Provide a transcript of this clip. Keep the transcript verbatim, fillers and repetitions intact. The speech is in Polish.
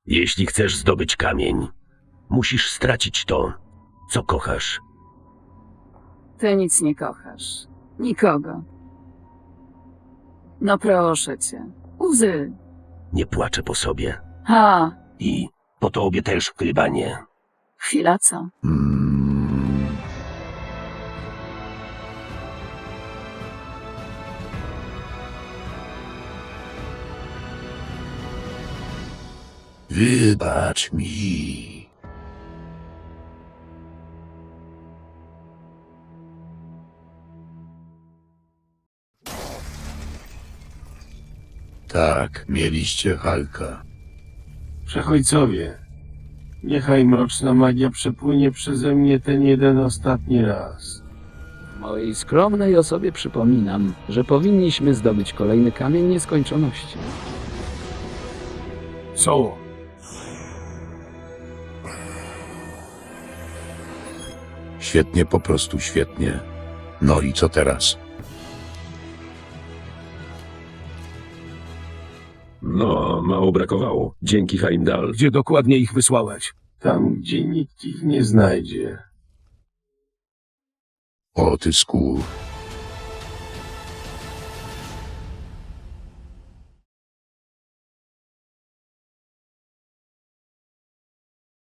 Jeśli chcesz zdobyć kamień, musisz stracić to, co kochasz. Ty nic nie kochasz. Nikogo. No proszę cię. Łzy. Nie płaczę po sobie. Ha, I po tobie też, Krybanie. chwila co? Mm, wybacz mi. Tak, mieliście Halka. Przechodźcowie, niechaj mroczna magia przepłynie przeze mnie ten jeden ostatni raz. Mojej skromnej osobie przypominam, że powinniśmy zdobyć kolejny kamień nieskończoności. Co? Świetnie, po prostu świetnie. No i co teraz? No, mało brakowało. Dzięki, Heimdall. Gdzie dokładnie ich wysłałeś? Tam, gdzie nikt ich nie znajdzie. O ty skór.